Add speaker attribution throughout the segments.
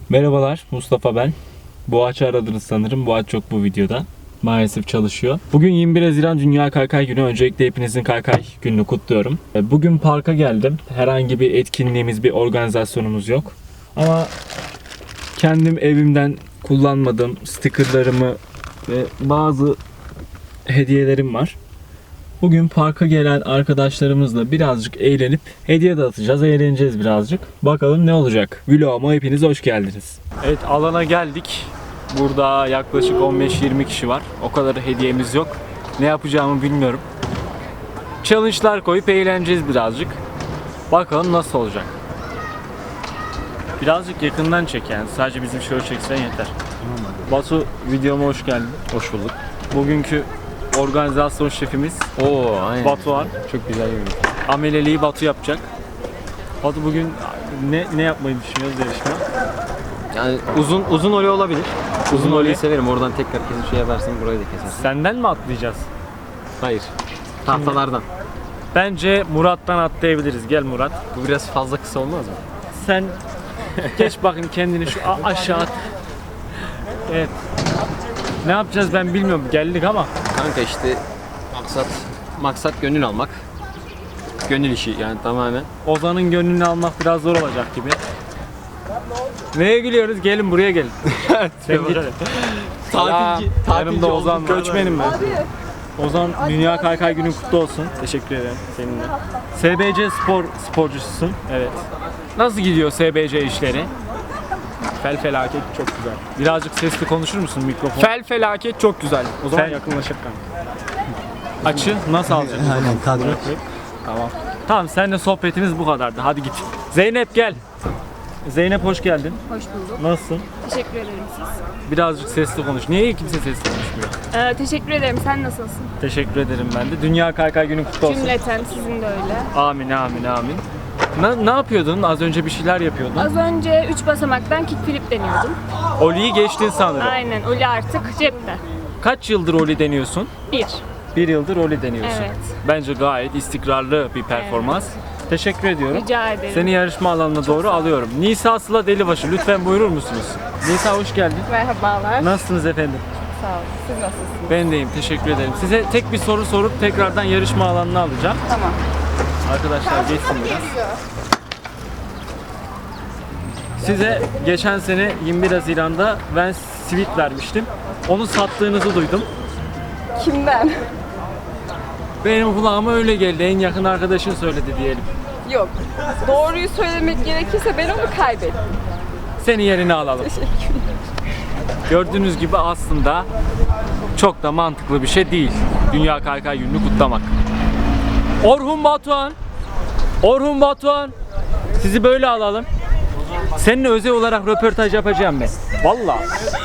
Speaker 1: Merhabalar, Mustafa ben. Boğaç'ı aradınız sanırım. Boğaç yok bu videoda. Maalesef çalışıyor. Bugün 21 Haziran Dünya Kaykay Günü. Öncelikle hepinizin kaykay gününü kutluyorum. Bugün parka geldim. Herhangi bir etkinliğimiz, bir organizasyonumuz yok. Ama kendim evimden kullanmadığım stickerlarımı ve bazı hediyelerim var. Bugün parka gelen arkadaşlarımızla birazcık eğlenip hediye dağıtacağız, eğleneceğiz birazcık. Bakalım ne olacak? Vloguma hepiniz hoş geldiniz. Evet, alana geldik. Burada yaklaşık 15-20 kişi var. O kadar hediyemiz yok. Ne yapacağımı bilmiyorum. Challenge'lar koyup eğleneceğiz birazcık. Bakalım nasıl olacak. Birazcık yakından çek yani. Sadece bizim şöyle çeksen yeter. Batu, videoma hoş geldin.
Speaker 2: Hoş bulduk.
Speaker 1: Bugünkü organizasyon şefimiz
Speaker 2: Aynen.
Speaker 1: Batuhan.
Speaker 2: Çok güzel bir video.
Speaker 1: Ameleliği Batu yapacak. Batu bugün ne yapmayı düşünüyoruz yarışma?
Speaker 2: Yani uzun oley olabilir. Uzun
Speaker 1: oley.
Speaker 2: oleyi severim. Oradan tekrar kesip şey yaparsın, burayı da kesersin.
Speaker 1: Senden mi atlayacağız?
Speaker 2: Hayır. Tahtalardan.
Speaker 1: Bence Murat'tan atlayabiliriz. Gel Murat.
Speaker 2: Bu biraz fazla kısa olmaz mı?
Speaker 1: Sen geç bakın kendini şu aşağı at. Evet. Ne yapacağız ben bilmiyorum. Geldik ama.
Speaker 2: Kanka işte maksat gönül almak. Gönül işi yani tamamen.
Speaker 1: Ozan'ın gönlünü almak biraz zor olacak gibi. Neye gülüyoruz? Gelin buraya gelin. Sen git.
Speaker 2: Tatilci
Speaker 1: Yanımda Ozan var.
Speaker 2: Göçmenim ben.
Speaker 1: Ozan, Dünya Kaykay Günü kutlu olsun. Teşekkür ederim seninle. SBC sporcususun. Evet. Nasıl gidiyor SBC işleri?
Speaker 3: Felaket çok güzel.
Speaker 1: Birazcık sesli konuşur musun mikrofon?
Speaker 3: Felaket çok güzel. O zaman
Speaker 1: Fel-
Speaker 3: yakınlaşıp kanka.
Speaker 1: Açı nasıl alacaksın?
Speaker 4: Aynen kadro.
Speaker 3: Tamam.
Speaker 1: Tamam, seninle sohbetimiz bu kadardı. Hadi git. Zeynep gel. Zeynep hoş geldin.
Speaker 5: Hoş bulduk.
Speaker 1: Nasılsın?
Speaker 5: Teşekkür ederim siz.
Speaker 1: Birazcık sesli konuş. Niye kimse sesli konuşmuyor?
Speaker 5: Teşekkür ederim. Sen nasılsın?
Speaker 1: Teşekkür ederim ben de. Dünya Kaykay Günü kutlu olsun.
Speaker 5: Cümleten sizin de öyle.
Speaker 1: Amin amin amin. Ne yapıyordun? Az önce bir şeyler yapıyordun.
Speaker 5: Az önce 3 basamaktan kickflip deniyordum.
Speaker 1: Oli'yi geçtin sanırım.
Speaker 5: Aynen. Oli artık cepte.
Speaker 1: Kaç yıldır Oli deniyorsun?
Speaker 5: 1.
Speaker 1: Bir yıldır Oli deniyorsun.
Speaker 5: Evet.
Speaker 1: Bence gayet istikrarlı bir performans. Teşekkür ediyorum.
Speaker 5: Rica ederim.
Speaker 1: Seni yarışma alanına doğru alıyorum. Nisa Sıla Delibaşı, lütfen buyurur musunuz? Nisa hoş geldin.
Speaker 5: Merhabalar.
Speaker 1: Nasılsınız efendim?
Speaker 5: Sağ olun. Siz nasılsınız?
Speaker 1: Ben deyim, teşekkür ederim. Size tek bir soru sorup tekrardan yarışma alanına alacağım.
Speaker 5: Tamam.
Speaker 1: Arkadaşlar geçsin biraz. Size geçen sene 21 Haziran'da ben sweet vermiştim. Onu sattığınızı duydum.
Speaker 5: Kimden?
Speaker 1: Benim kulağıma öyle geldi. En yakın arkadaşın söyledi diyelim.
Speaker 6: Yok. Doğruyu söylemek gerekirse ben onu kaybettim.
Speaker 1: Seni yerine alalım. Gördüğünüz gibi aslında çok da mantıklı bir şey değil. Dünya Kaykay Günü'nü kutlamak. Orhun Batuhan. Orhun Batuhan. Sizi böyle alalım. Seninle özel olarak röportaj yapacağım ben. Vallahi.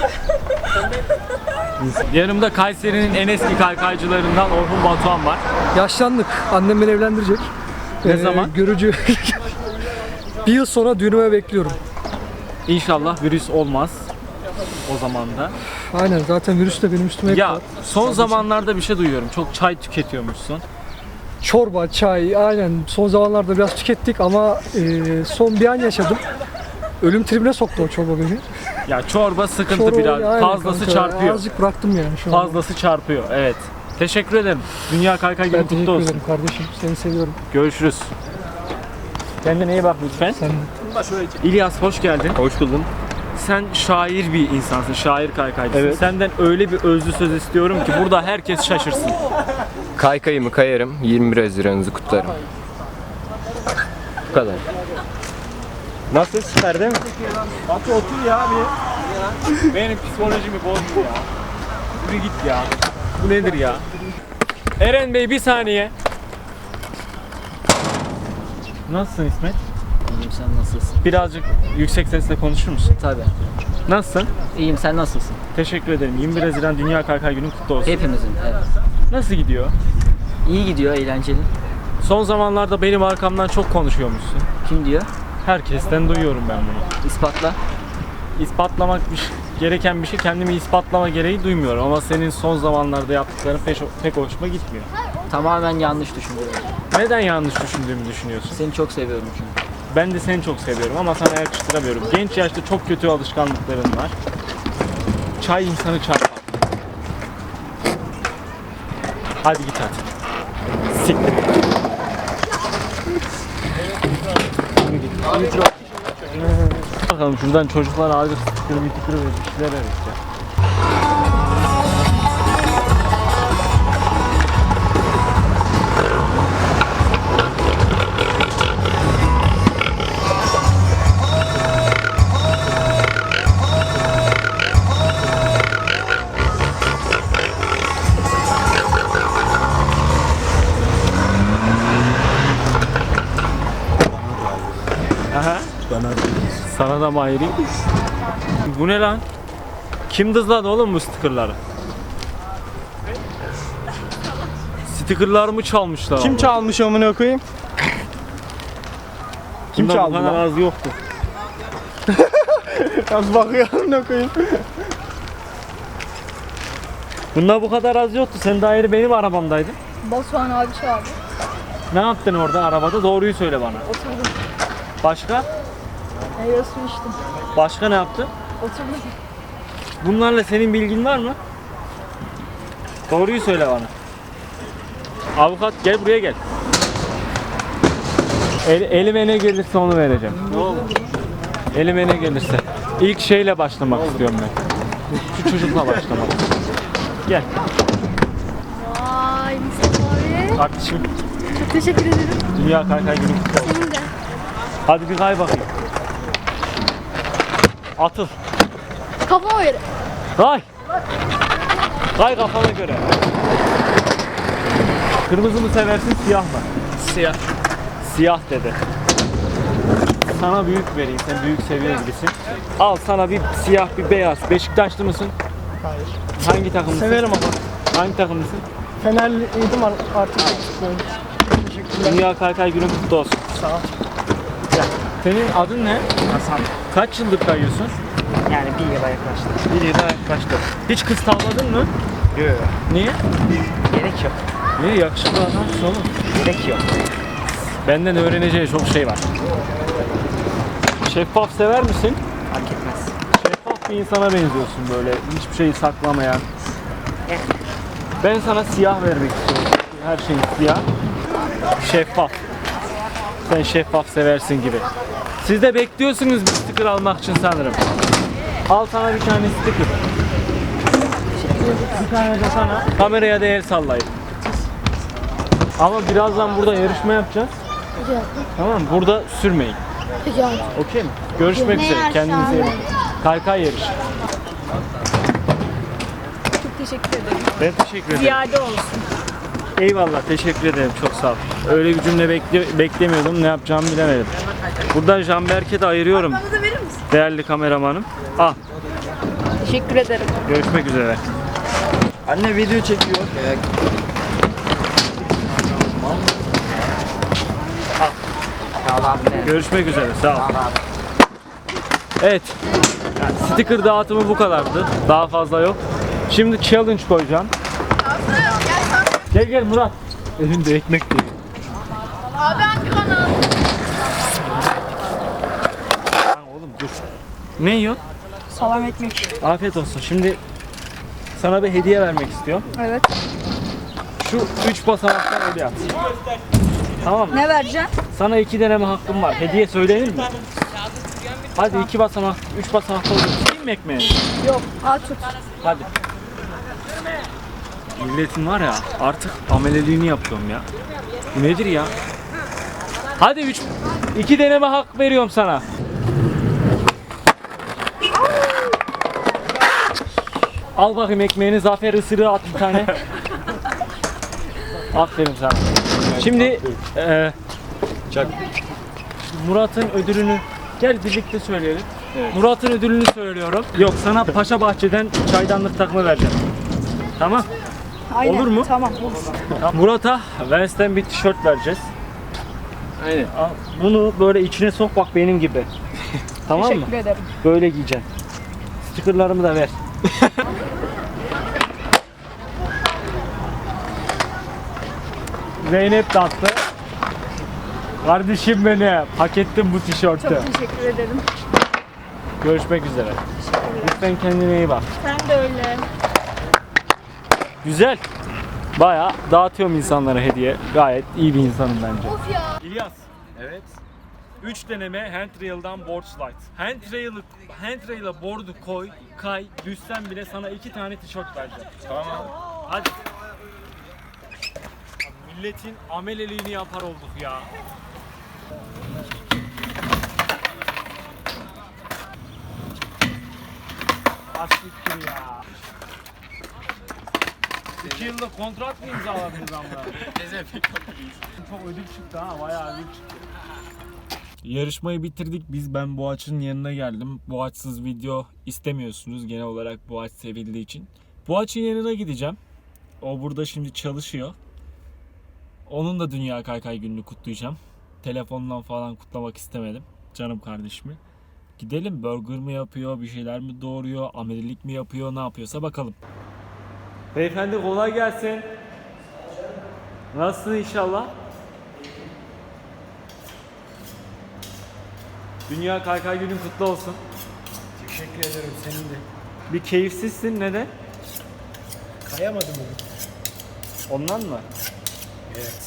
Speaker 1: Yanımda Kayseri'nin en eski kaykaycılarından Orhun Batuhan var.
Speaker 4: Yaşlandık. Annem beni evlendirecek.
Speaker 1: Ne zaman?
Speaker 4: Görücü. Bir yıl sonra düğünüme bekliyorum.
Speaker 1: İnşallah virüs olmaz o zaman da.
Speaker 4: Aynen, zaten virüs de benim üstüme
Speaker 1: Ya
Speaker 4: var.
Speaker 1: son zamanlarda bir şey duyuyorum. Çok çay tüketiyormuşsun.
Speaker 4: Çorba, çay, aynen son zamanlarda biraz tükettik ama son bir an yaşadım. Ölüm tribine soktu o çorba beni.
Speaker 1: Ya çorba sıkıntı
Speaker 4: Çorba,
Speaker 1: biraz.
Speaker 4: aynen
Speaker 1: Fazlası
Speaker 4: kanka,
Speaker 1: çarpıyor.
Speaker 4: Azıcık bıraktım yani şu an.
Speaker 1: Fazlası çarpıyor. Evet. Teşekkür ederim. Dünya Kaykay Günü
Speaker 4: Ben
Speaker 1: kutlu
Speaker 4: teşekkür
Speaker 1: olsun.
Speaker 4: ederim kardeşim. Seni seviyorum.
Speaker 1: Görüşürüz. Kendine iyi bak lütfen.
Speaker 4: Sen de.
Speaker 1: İlyas hoş geldin.
Speaker 2: Hoş buldum.
Speaker 1: Sen şair bir insansın. Şair kaykaycısın.
Speaker 2: Evet.
Speaker 1: Senden öyle bir özlü söz istiyorum ki burada herkes şaşırsın.
Speaker 2: Kaykayımı kayarım, 21 Haziran'ınızı kutlarım. Bu kadar.
Speaker 1: Nasıl, süper değil mi? Batu otur ya bir. Benim psikolojimi bozdu ya. Yürü git ya. Bu nedir ya? Eren Bey bir saniye. Nasılsın İsmet?
Speaker 7: İyiyim, sen nasılsın?
Speaker 1: Birazcık yüksek sesle konuşur musun?
Speaker 7: Tabii.
Speaker 1: Nasılsın?
Speaker 7: İyiyim, sen nasılsın?
Speaker 1: Teşekkür ederim. 21 Haziran Dünya Kaykay Günü kutlu olsun.
Speaker 7: Hepimizin, evet.
Speaker 1: Nasıl gidiyor?
Speaker 7: İyi gidiyor, eğlenceli.
Speaker 1: Son zamanlarda benim arkamdan çok konuşuyormuşsun.
Speaker 7: Kim diyor?
Speaker 1: Herkesten duyuyorum ben bunu.
Speaker 7: İspatla.
Speaker 1: İspatlamak gereken bir şey, kendimi ispatlama gereği duymuyorum ama senin son zamanlarda yaptıkların pek hoşuma gitmiyor.
Speaker 7: Tamamen yanlış düşünüyorum.
Speaker 1: Neden yanlış düşündüğümü düşünüyorsun?
Speaker 7: Seni çok seviyorum çünkü.
Speaker 1: Ben de seni çok seviyorum ama sana yakıştıramıyorum. Genç yaşta çok kötü alışkanlıkların var. Çay insanı çarpar. Hadi git hadi. Siktir. Bakalım şuradan çocuklar ağacı tıkır bir şeyler öğreteceğim. Aha. Sana da mı ayırayım? Bu ne lan? Kim dızladı oğlum bu stickerları? Stickerlarımı çalmışlar.
Speaker 3: Kim
Speaker 1: abi.
Speaker 3: çalmış amına koyayım? Kim
Speaker 1: Bunda
Speaker 3: çaldı
Speaker 1: bu kadar
Speaker 3: lan?
Speaker 1: az yoktu.
Speaker 3: Nasıl bakıyor amına koyayım?
Speaker 1: Bunda bu kadar az yoktu. Sen daha yeni benim arabamdaydın.
Speaker 5: Batuhan abi çağırdı.
Speaker 1: Ne yaptın orada arabada? Doğruyu söyle bana.
Speaker 5: Oturdum.
Speaker 1: Başka?
Speaker 5: Meyve suyu içtim.
Speaker 1: Başka ne yaptın?
Speaker 5: Oturdum.
Speaker 1: Bunlarla senin bilgin var mı? Doğruyu söyle bana. Avukat gel buraya gel. Elime ne gelirse onu vereceğim. Ne olur? Elime ne gelirse. İlk şeyle başlamak istiyorum ben. Şu çocukla başlamak. Gel
Speaker 8: Vay Mustafa abi.
Speaker 1: kardeşim.
Speaker 8: Çok teşekkür ederim.
Speaker 1: Dünya Kaykay Günü kutlu olsun.
Speaker 8: Senin de.
Speaker 1: Hadi bir kay bakayım. Atıl.
Speaker 8: Kafama göre.
Speaker 1: Kay. Kay kafana göre. Kırmızı mı seversin siyah mı?
Speaker 3: Siyah.
Speaker 1: Siyah dedi. Sana büyük vereyim. Sen büyük seviyor gibisin. Al sana bir siyah bir beyaz. Beşiktaşlı mısın?
Speaker 3: Hayır.
Speaker 1: Hangi takımlısın?
Speaker 3: Severim ama.
Speaker 1: Hangi takımlısın?
Speaker 3: Fenerliydim artık. Teşekkürler.
Speaker 1: Dünya Kaykay Günü kutlu olsun.
Speaker 3: Sağ ol.
Speaker 1: Senin adın ne?
Speaker 3: Hasan.
Speaker 1: Kaç yıldır kayıyorsun?
Speaker 3: Yani bir yıla yaklaştı.
Speaker 1: Bir yılda yaklaştı. Hiç kız tavladın mı?
Speaker 3: Yok.
Speaker 1: Niye?
Speaker 3: Gerek yok.
Speaker 1: Niye? Yakışıklı adamsın oğlum.
Speaker 3: Gerek yok.
Speaker 1: Benden öğreneceği çok şey var. Şeffaf sever misin?
Speaker 3: Fark etmez.
Speaker 1: Şeffaf bir insana benziyorsun böyle. Hiçbir şeyi saklamayan. Ben sana siyah vermek istiyorum. Her şey siyah. Şeffaf. Sen şeffaf seversin gibi. Siz de bekliyorsunuz bir sticker almak için sanırım. Al sana bir tane sticker. Bir tane de sana. Kameraya da el sallayın. Ama birazdan burada yarışma yapacağız.
Speaker 8: Peki abi.
Speaker 1: Tamam mı? Burada sürmeyin.
Speaker 8: Peki abi.
Speaker 1: Okey mi? Görüşmek
Speaker 8: Ne
Speaker 1: üzere.
Speaker 8: yarışı
Speaker 1: Kendinize iyi
Speaker 8: abi?
Speaker 1: bakın. Kaykay yarışı.
Speaker 5: Çok teşekkür ederim.
Speaker 1: Ben teşekkür ederim.
Speaker 5: Ziyade olsun.
Speaker 1: Eyvallah. Teşekkür ederim. Çok sağ ol. Öyle bir cümle beklemiyordum. Ne yapacağımı bilemedim. Buradan Canberk'e de ayırıyorum. Değerli kameramanım. Al.
Speaker 5: Teşekkür ederim.
Speaker 1: Görüşmek üzere.
Speaker 3: Anne video çekiyor.
Speaker 1: Görüşmek üzere. Sağ ol. Evet. Yani sticker dağıtımı bu kadardı. Daha fazla yok. Şimdi challenge koyacağım. Gel gel Murat. Elinde ekmek değil.
Speaker 8: Abi hangi kanal?
Speaker 1: Lan oğlum dur. Ne yiyorsun?
Speaker 5: Salam ekmek.
Speaker 1: Afiyet olsun. Şimdi sana bir hediye vermek istiyorum.
Speaker 5: Evet.
Speaker 1: Şu 3 basamaktan öyle at. Tamam mı?
Speaker 5: Ne vereceğim?
Speaker 1: Sana 2 deneme hakkım var. Hediye söylenir mi? Hadi 2 basamak, 3 basamakta olur. Değil mi ekmeği?
Speaker 5: Yok. Al tut.
Speaker 1: Hadi. Milletin var ya artık ameleliğini yapıyorum ya. Bu nedir ya? Hadi 2 deneme hak veriyorum sana. Al bakayım ekmeğini, zafer ısırığı at bir tane. Aferin sana. Şimdi Murat'ın ödülünü gel birlikte söyleyelim. Murat'ın ödülünü söylüyorum. Yok sana Paşa Bahçe'den çaydanlık takımı vereceğim. Tamam.
Speaker 5: Aynen.
Speaker 1: Olur mu?
Speaker 5: Tamam olur.
Speaker 1: Murat'a Vens'ten bir tişört vereceğiz.
Speaker 2: Aynen.
Speaker 1: Al, bunu böyle içine sok bak benim gibi. Tamam mı?
Speaker 5: Teşekkür ederim.
Speaker 1: Böyle giyeceksin. Stickerlarımı da ver. Zeynep de attı. Kardeşim benim. Hak ettin bu tişörtü.
Speaker 5: Çok teşekkür ederim.
Speaker 1: Görüşmek üzere. Lütfen kendine iyi bak.
Speaker 5: Sen de öyle.
Speaker 1: Güzel. Bayağı dağıtıyorum insanlara hediye. Gayet iyi bir insanım bence.
Speaker 8: Of ya.
Speaker 1: İlyas. Evet. 3 deneme handrail'dan board slide. Handrail'a board'u koy, kay, düşsen bile sana 2 tane tişört vereceğim. Tamam. Hadi. Milletin ameleliğini yapar olduk ya. Asiktir ya. 2 yıllık kontrat mı imzaladınız amına? Çok ödül çıktı ha, bayağı ödül çıktı. Yarışmayı bitirdik. Ben Boğaç'ın yanına geldim. Boğaç'sız video istemiyorsunuz genel olarak Boğaç sevildiği için. Boğaç'ın yanına gideceğim. O burada şimdi çalışıyor. Onun da Dünya Kaykay gününü kutlayacağım. Telefondan falan kutlamak istemedim. Canım kardeşimi. Gidelim, burger mı yapıyor, bir şeyler mi doğuruyor, amelilik mi yapıyor, ne yapıyorsa bakalım. Beyefendi kolay gelsin. Nasılsın inşallah? Dünya Kaykay günün kutlu olsun.
Speaker 9: Teşekkür ederim senin de.
Speaker 1: Bir keyifsizsin, neden?
Speaker 9: Kayamadım bugün.
Speaker 1: Ondan mı?
Speaker 9: Evet.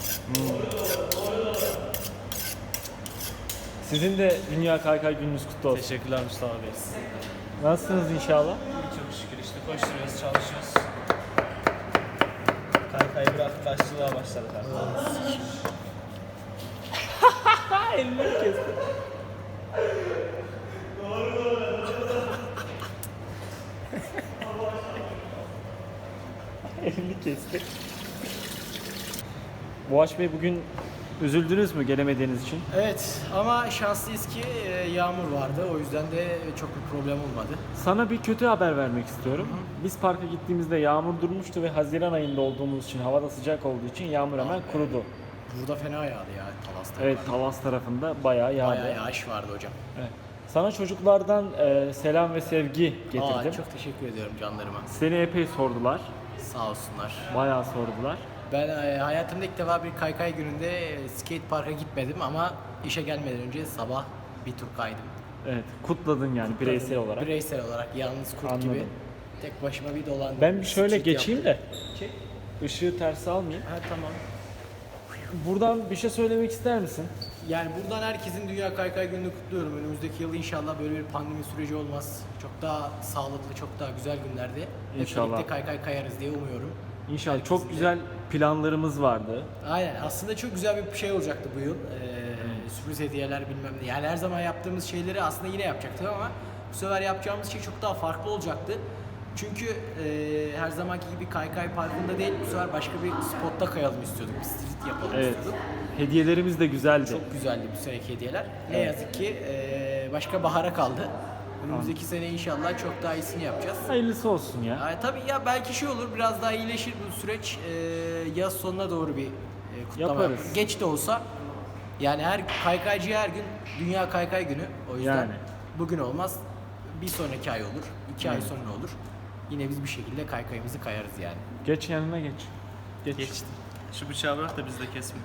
Speaker 1: Sizin de Dünya Kaykay gününüz kutlu olsun.
Speaker 9: Teşekkürler Mustafa Bey.
Speaker 1: Nasılsınız inşallah?
Speaker 9: Çok şükür işte koşturuyoruz, çalışıyoruz. Kaykayı bırakıp taşçılığa başladık artık.
Speaker 1: Elini kesti. Elini kesti. Boğaç Bey, bugün üzüldünüz mü gelemediğiniz için?
Speaker 9: Evet ama şanslıyız ki yağmur vardı. O yüzden de çok bir problem olmadı.
Speaker 1: Sana bir kötü haber vermek istiyorum. Biz parka gittiğimizde yağmur durmuştu ve Haziran ayında olduğumuz için, havada sıcak olduğu için yağmur hemen kurudu.
Speaker 9: Burada fena yağdı ya Talas'ta.
Speaker 1: Evet, Talas tarafında bayağı yağdı.
Speaker 9: Bayağı yağış vardı hocam.
Speaker 1: Evet. Sana çocuklardan selam ve sevgi getirdim.
Speaker 9: Çok teşekkür ediyorum canlarıma.
Speaker 1: Seni epey sordular.
Speaker 9: Sağ olsunlar.
Speaker 1: Bayağı sordular.
Speaker 9: Ben hayatımda ilk defa bir kaykay gününde skate parka gitmedim ama işe gelmeden önce sabah bir tur kaydım.
Speaker 1: Evet, kutladın yani bireysel olarak.
Speaker 9: Bireysel olarak yalnız kurt
Speaker 1: Anladım.
Speaker 9: gibi tek başıma bir dolandım.
Speaker 1: Ben bir şöyle
Speaker 9: Skate
Speaker 1: geçeyim
Speaker 9: yaptım.
Speaker 1: de ışığı terse almayayım.
Speaker 9: Ha tamam.
Speaker 1: Buradan bir şey söylemek ister misin?
Speaker 9: Yani buradan herkesin Dünya Kaykay Günü'nü kutluyorum. Önümüzdeki yıl inşallah böyle bir pandemi süreci olmaz. Çok daha sağlıklı, çok daha güzel günlerde hep
Speaker 1: İnşallah.
Speaker 9: birlikte kaykay kayarız diye umuyorum.
Speaker 1: İnşallah. Çok güzel planlarımız vardı.
Speaker 9: Aynen. Aslında çok güzel bir şey olacaktı bu yıl. Sürpriz hediyeler bilmem ne. Yani her zaman yaptığımız şeyleri aslında yine yapacaktık ama bu sefer yapacağımız şey çok daha farklı olacaktı. Çünkü her zamanki gibi kaykay parkında değil, bu sefer başka bir spotta kayalım istiyorduk. Bir street yapalım
Speaker 1: Evet.
Speaker 9: istiyorduk.
Speaker 1: Hediyelerimiz de güzeldi.
Speaker 9: Çok güzeldi bu seneki hediyeler. Ne yazık ki başka bahara kaldı. Önümüzdeki sene inşallah çok daha iyisini yapacağız.
Speaker 1: Hayırlısı olsun ya.
Speaker 9: Tabii ya belki şey olur, biraz daha iyileşir bu süreç. Yaz sonuna doğru bir kutlama
Speaker 1: Yaparız.
Speaker 9: yaparız. Geç de olsa yani her kaykaycıya her gün Dünya Kaykay Günü. O yüzden
Speaker 1: Yani.
Speaker 9: bugün olmaz. Bir sonraki ay olur. 2 ay sonra olur. Yine biz bir şekilde kaykayımızı kayarız yani.
Speaker 1: Geç yanına geç.
Speaker 10: Geçti. Şu bıçağı bırak da biz de kesme.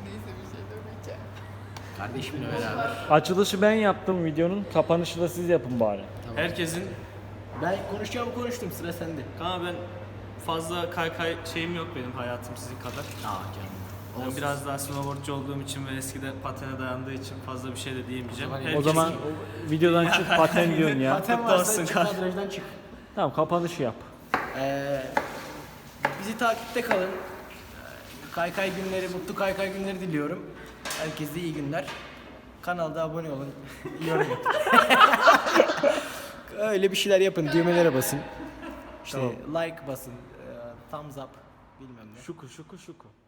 Speaker 9: Kardeşimle beraber.
Speaker 1: Açılışı ben yaptım videonun. Kapanışı da siz yapın bari.
Speaker 10: Herkesin,
Speaker 9: Ben konuşacağımı konuştum, sıra sende.
Speaker 10: ama ben fazla kaykay şeyim yok benim hayatım sizin kadar.
Speaker 9: Canım.
Speaker 10: Ben biraz daha snowboardcu olduğum için ve eskiden patene dayandığı için fazla bir şey de diyemeyeceğim.
Speaker 1: O zaman videodan çık, paten diyorsun ya.
Speaker 9: Paten
Speaker 10: Kutlu
Speaker 9: varsa
Speaker 10: olsun
Speaker 9: çık,
Speaker 10: kardeşim.
Speaker 9: kadrajdan çık.
Speaker 1: Tamam, kapanışı yap.
Speaker 9: Bizi takipte kalın. Kaykay günleri, mutlu kaykay günleri diliyorum. Herkese iyi günler. Kanalda abone olun. Yorum yapın. Öyle bir şeyler yapın. Düğmelere basın. İşte like basın. Thumbs up. Bilmem ne.
Speaker 1: Şuku.